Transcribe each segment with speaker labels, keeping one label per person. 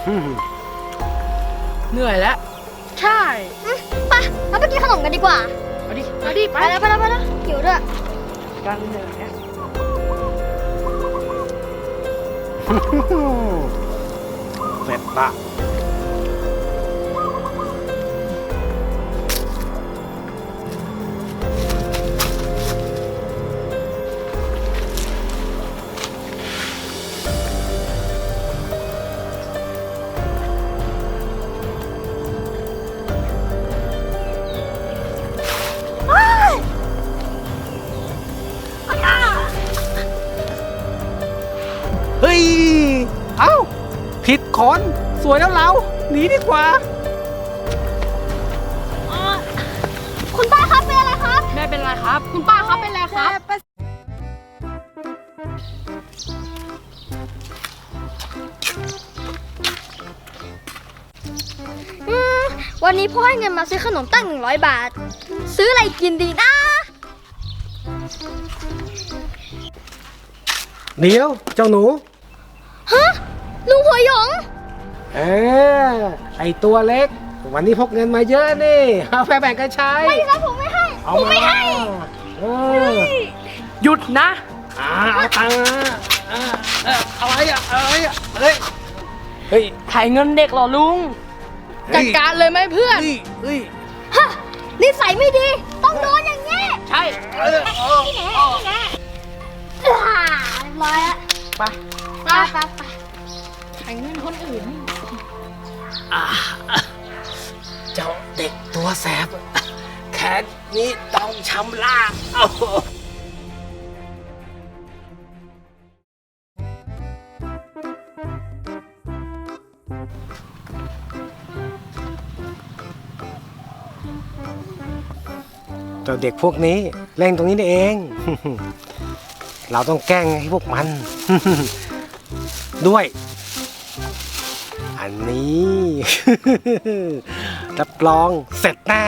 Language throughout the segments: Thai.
Speaker 1: เหนื่อยแล้วใช่
Speaker 2: ไปเราไปกินขนมกันดีกว่า
Speaker 1: เอาดิ
Speaker 2: ไปแล้วหิวด้วย
Speaker 1: กันเหนื่อยนะ
Speaker 3: เสร็จละเฮ้ย เอ้า ผิดคนสวยแล้วเราหนีดีกว่า
Speaker 2: คุณป้าครับเป็นอะไรครับ
Speaker 1: แม่เป็นไรครับคุณป้าครับเป็นไรครับ
Speaker 2: วันนี้พ่อให้เงินมาซื้อขนมตั้ง100 บาทซื้ออะไรกินดีนะ
Speaker 3: เดี๋ยวเจ้าหนู
Speaker 2: ฮะลุงหัวหยง
Speaker 3: ไอตัวเล็ก วันนี้พกเงินมาเยอะนี่เอาไปแบ่งกันใช้
Speaker 2: ไม่ครับผมไม่ให้
Speaker 3: ผมไม่ให้
Speaker 1: หยุดนะ
Speaker 3: เอาตังค์อะไรเฮ้ย
Speaker 1: ถ่ายเงินเด็กเหรอลุงจัดการเลยไหมเพื่อน
Speaker 2: ฮะนิสัยไม่ดีต้องโดนอย่างนี้
Speaker 1: ใช่
Speaker 2: นี่แน่เรียบร้อยแล้ว
Speaker 1: ไป
Speaker 2: ถ่ายเงินคนอื่น
Speaker 3: เจ้าเด็กตัวแสบแขนนี้ต้องชำระเจ้าเด็กพวกนี้เล่นตรงนี้นี่เอง เราต้องแกล้งให้พวกมัน ด้วย อันนี้ รับรองเสร็จแน่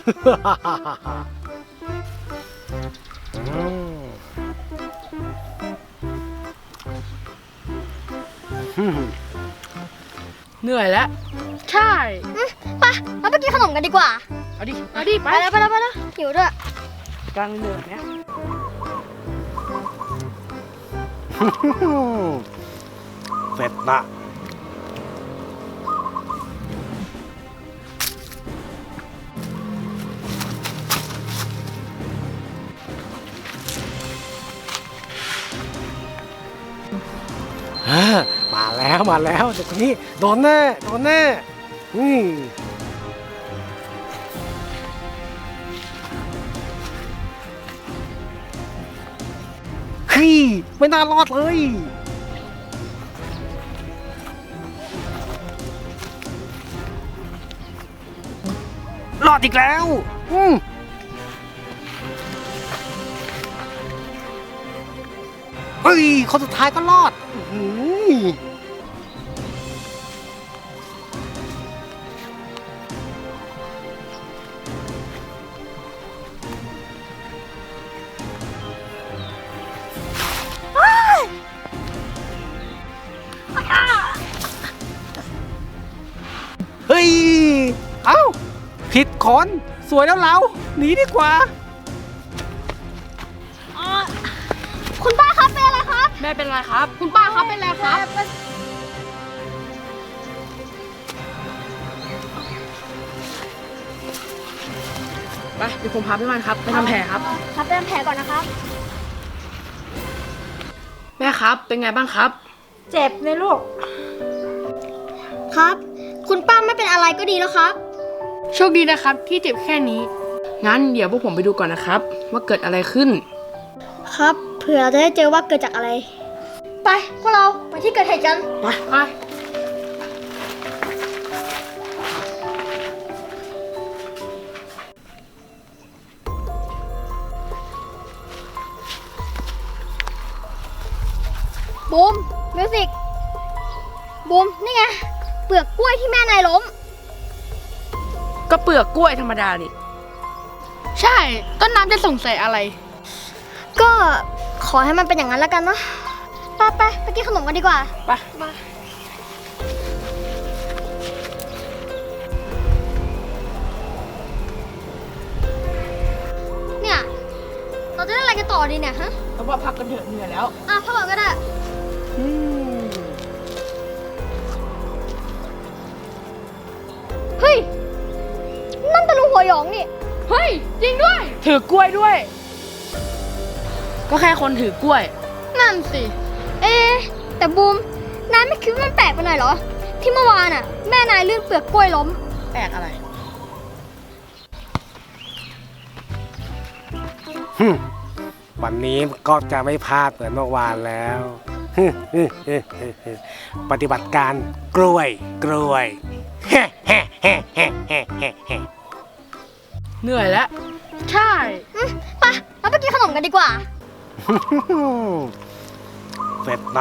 Speaker 1: เหนื่อยแล้วใช่
Speaker 2: ไปเราไปกินขนมกันดีกว่า
Speaker 1: เอาดิไป
Speaker 2: ไปแล้วหิวด้วย
Speaker 1: กันเหนื่อยนะ
Speaker 3: เสร็จละมาแล้วเด็กคนนี้โดนแน่ไม่น่ารอดเลย รอดอีกแล้วเฮ้ยคนสุดท้ายก็รอดเฮ้ย เอ้า ผิดคนสวยแล้วเราหนีดีกว่า
Speaker 2: คุณป้าครับเป็นอะไรครับ
Speaker 1: แม่เป็นไรครับคุณป้าครับเป็นไรครับไปเดี๋ยวผมพาพี่มันครับไปทำแผลครับ
Speaker 2: ครับไปทำแผลก่อนนะครับ
Speaker 1: แม่ครับเป็นไงบ้างครับ
Speaker 2: เจ็บเลยลูกครับคุณป้าไม่เป็นอะไรก็ดีแล้วครับ
Speaker 1: โชคดีนะครับที่เจ็บแค่นี้งั้นเดี๋ยวพวกผมไปดูก่อนนะครับว่าเกิดอะไรขึ้น
Speaker 2: ครับเผื่อเราจะได้เจอว่าเกิดจากอะไรไปพวกเราไปที่เกิดเหตุกัน
Speaker 1: ไป
Speaker 2: บูมมิวสิกบูมนี่ไงเปลือกกล้วยที่แม่นายล้ม
Speaker 1: ก็เปลือกกล้วยธรรมดานี่ใช่ต้นน้ำจะสงสัยอะไร
Speaker 2: ก็ขอให้มันเป็นอย่างนั้นแล้วกันเนาะไปกินขนมกันดีกว่า
Speaker 1: ไป
Speaker 2: เราจะได้อะไรกันต่อดีเนี่ยฮะ
Speaker 1: เพราะว่าพักกันเถอะเหนื่อยแล้ว
Speaker 2: พักก่อนก็ได้เฮ้ย นั่นตะลุงหัวหยองนี่
Speaker 1: เฮ้ย จริงด้วย ถือกล้วยด้วย ก็แค่คนถือกล้วย
Speaker 2: นั่นสิ แต่บูม นายไม่คิดว่ามันแปลกไปหน่อยเหรอ ที่เมื่อวานอ่ะ แม่นายลื่นเปลือกกล้วยล้ม
Speaker 1: แปลกอะไร
Speaker 3: วันนี้ก็จะไม่พลาดเหมือนเมื่อวานแล้ว ปฏิบัติการกล้วยกล้วย
Speaker 1: เหนื่อยแล้ว ใช่
Speaker 2: ไปเราไปกินขนมกันดีกว่า
Speaker 3: เสร็จละ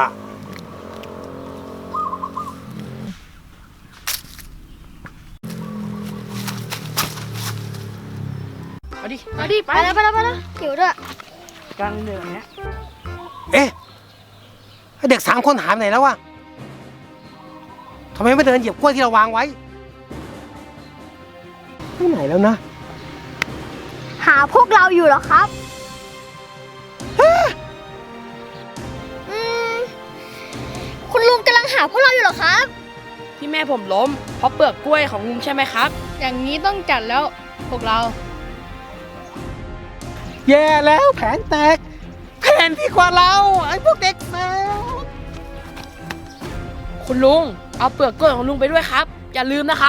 Speaker 1: เอาดิ เอาดิ ไป
Speaker 2: ไปแล้วหิวด้วย
Speaker 1: กลางเหนื่อยเนี้ย
Speaker 3: เอ๊ะเด็ก3 คนหายไปไหนแล้ววะทำไมไม่เดินเหยียบกล้วยที่เราวางไว้ไปไหนแล้วนะ
Speaker 2: หาพวกเราอยู่เหรอครับ คุณลุงกำลังหาพวกเราอยู่เหรอครับ
Speaker 1: ที่แม่ผมล้ม เพราะเปลือกกล้วยของลุงใช่ไหมครับ อย่างนี้ต้องจัดแล้ว พวกเรา
Speaker 3: แย่แล้วแผนแตก แผนที่กว่าเราไอ้พวกเด็กแมว
Speaker 1: คุณลุง เอาเปลือกกล้วยของลุงไปด้วยครับ อย่าลืมนะครับ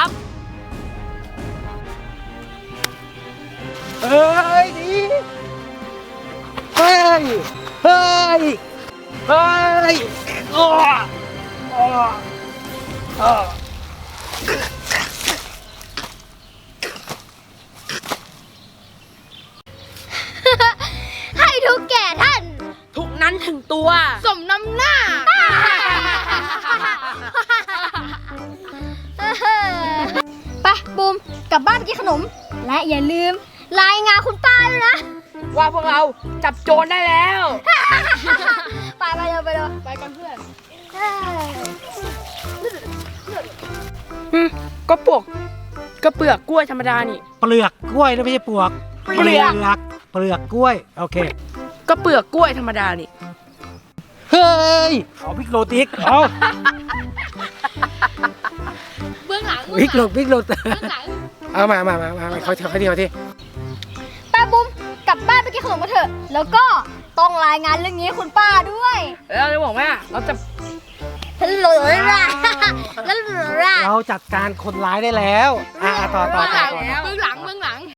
Speaker 3: เฮ้ยดีเฮ้ยเฮ้ยเฮ้ยอ้ออ้ออ้อ
Speaker 2: ให้ทุกแก่ท่าน
Speaker 1: ทุกนั้นถึงตัว สมน้ำหน้า
Speaker 2: ไปบูมกลับบ้านไปกินขนม และอย่าลืมรายงานคุณป้าด้วยนะ
Speaker 1: ว่าพวกเราจับโจรได้แล้ว
Speaker 2: ไปเร็ว
Speaker 1: ไปกันเพื่อน
Speaker 2: เอ้ย
Speaker 1: ก็เปลือกกล้วยธรรมดานี่
Speaker 3: เปลือกกล้วยนะไม่ใช่ปลวก
Speaker 1: เปลือก
Speaker 3: เปลือกกล้วยโอเค
Speaker 1: ก็เปลือกกล้วยธรรมดานี่
Speaker 3: เฮ้ยเอาพริกโรติกเอา
Speaker 2: เบื้องหลัง
Speaker 3: พริกโรพริกโรต
Speaker 2: เบื้องหลัง
Speaker 3: เอามาเขาที
Speaker 2: ไปบูมกลับบ้านไปกินขนมกันเถอะ แล้วก็ต้องรายงานเรื่องนี้ให้คุณป้าด้วย
Speaker 1: แล้วเราจะบอกว่าเราจะ
Speaker 2: ฮัลโหลล่ะฮัลโหลล่ะ
Speaker 3: เราจัดการคนร้ายได้แล้วต่อ
Speaker 1: เบื้องหลัง